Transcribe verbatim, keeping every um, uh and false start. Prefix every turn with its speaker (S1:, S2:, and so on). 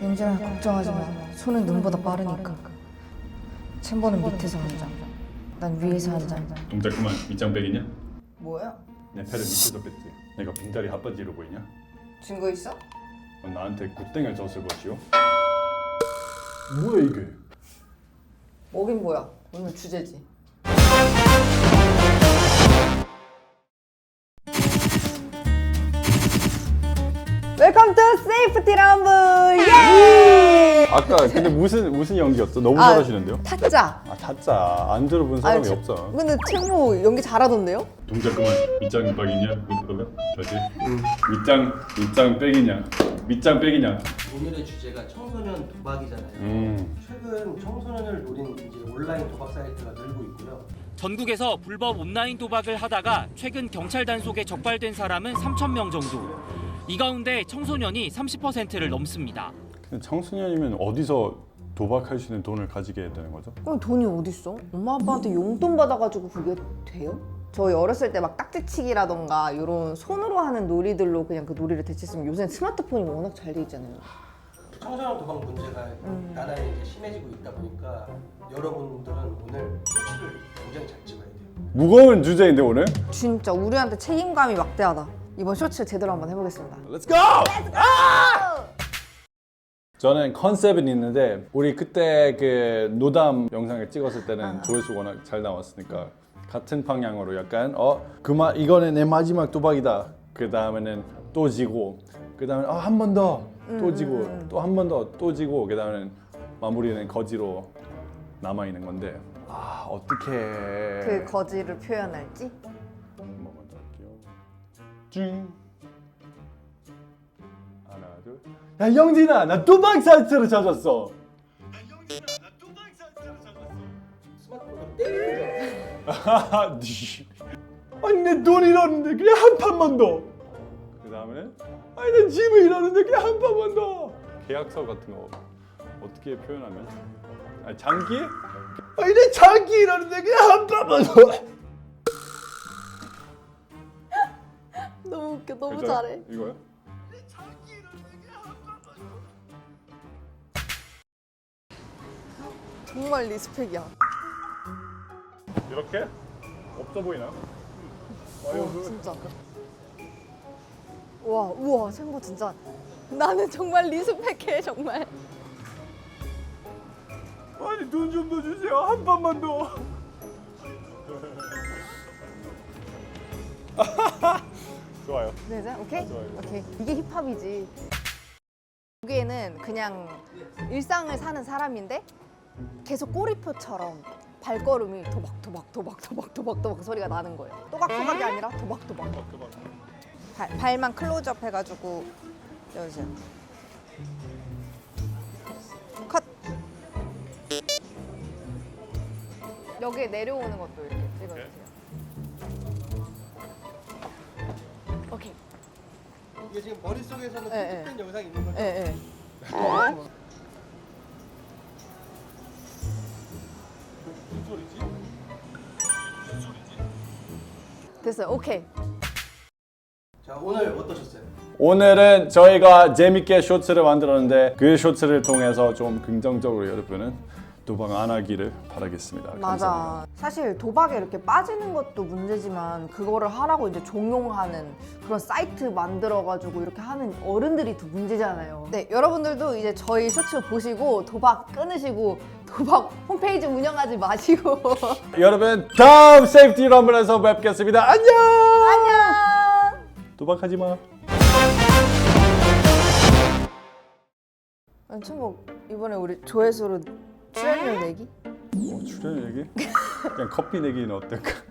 S1: 윤진아 걱정하지 마. 손은 눈보다 빠르니까. 챔버는 밑에서 한 장, 난 위에서 한 장.
S2: 동작 그만. 밑장 빼기냐?
S1: 뭐야?
S2: 내 패를 밑에서 뺐지. 내가 빈다리 핫바지로 보이냐?
S1: 증거 있어?
S2: 넌 나한테 굿땡을 줬을 것이오. 뭐야 이게?
S1: 뭐긴 뭐야. 오늘 주제지. 웰컴 투 세이프티 럼블! 예!
S2: 아까 근데 무슨 무슨 연기였어? 너무
S1: 아,
S2: 잘하시는데요?
S1: 타짜.
S2: 아 타짜 안 들어본 사람이
S1: 아, 저-
S2: 없어.
S1: 근데 채무 연기 잘하던데요?
S2: 동작 그만. 밑장 빼기냐? 그러면 저지. 밑장 밑장 빼기냐? 밑장 빼기냐?
S3: 오늘의 주제가 청소년 도박이잖아요.
S2: 음.
S3: 최근 청소년을 노린 이제 온라인 도박 사이트가 늘고 있고요.
S4: 전국에서 불법 온라인 도박을 하다가 최근 경찰 단속에 적발된 사람은 삼천 명 정도. 이 가운데 청소년이 삼십 퍼센트를 넘습니다.
S2: 근데 청소년이면 어디서 도박할 수 있는 돈을 가지게 되는 거죠?
S1: 그럼 돈이 어딨어? 엄마 아빠한테 용돈 받아가지고 그게 돼요? 저희 어렸을 때 막 딱지치기라던가 이런 손으로 하는 놀이들로 그냥 그 놀이를 대체했으면 요새는 스마트폰이 워낙 잘 돼 있잖아요.
S3: 청소년 도박 문제가
S1: 음.
S3: 나날이 이제 심해지고 있다 보니까 여러분들은 오늘 쇼츠를 굉장히 잘 찍어야 돼요.
S2: 무거운 주제인데 오늘?
S1: 진짜 우리한테 책임감이 막대하다. 이번 쇼츠 제대로 한번 해보겠습니다.
S2: Let's go! 저는 컨셉은 있는데 우리 그때 그 노담 영상을 찍었을 때는 조회수 워낙 잘 나왔으니까 같은 방향으로 약간 어 그만 이거는 내 마지막 도박이다. 그 다음에는 또 지고 그 다음에 한 번 더 또 지고 또 한 번 더 또 지고 그 다음에는 마무리는 거지로 남아 있는 건데 아 어떻게
S1: 그 거지를 표현할지?
S2: 한번 먼저 할게요. 쭉 하나 둘. 야 영진아 나 도박 사이트를 찾았어.
S3: 스마트폰으로 때리는 거.
S2: 하하, 니. 아니 내 돈 잃었는데 그냥 한 판만 더. 그 다음에 아니 내 집을 잃었는데 그냥 한 판만 더. 계약서 같은 거 어떻게 표현하면? 아니 장기? 아니 내 장기 잃었는데 그냥 한 판만 더.
S1: 너무 웃겨. 너무
S2: 괜찮아?
S1: 잘해.
S2: 이거요?
S1: 정말 리스펙이야.
S2: 이렇게? 없어 보이나?
S1: 와 진짜. 와 우와 챔버 진짜. 나는 정말 리스펙해 정말.
S2: 아니 돈 좀 더 주세요 한 판만 더. 좋아요.
S1: 네, 네, 오케이?
S2: 좋아요.
S1: 오케이. 이게 힙합이지. 여기에는 그냥 일상을 사는 사람인데 계속 꼬리표처럼 발걸음이 도박 도박 도박 도박 도박 도박 소리가 나는 거예요. 또각또각이 아니라 도박 도박. 발, 발만 클로즈업 해가지고 여보세요. 컷. 여기에 내려오는 것도 이렇게 찍어주세요. 오케이.
S3: 이게 지금 머릿속에서는
S1: 네,
S3: 편집된 영상이 있는 거죠?
S1: 예, 예.
S3: 무슨 소리지?
S1: 됐어요. 오케이.
S3: 자, 오늘 어떠셨어요?
S2: 오늘은 저희가 재밌게 쇼츠를 만들었는데 그 쇼츠를 통해서 좀 긍정적으로 여러분은 도박 안 하기를 바라겠습니다. 감사합니다.
S1: 맞아. 사실 도박에 이렇게 빠지는 것도 문제지만 그거를 하라고 이제 종용하는 그런 사이트 만들어가지고 이렇게 하는 어른들이 더 문제잖아요. 네, 여러분들도 이제 저희 쇼츠 보시고 도박 끊으시고 도박 홈페이지 운영하지 마시고
S2: 여러분 다음 세이프티 럼블에서 뵙겠습니다. 안녕.
S1: 안녕.
S2: 도박하지 마.
S1: 아니 천복 이번에 우리 조회수로 출연료 내기?
S2: 어, 출연 얘기? 그냥 커피 내기는 어떨까?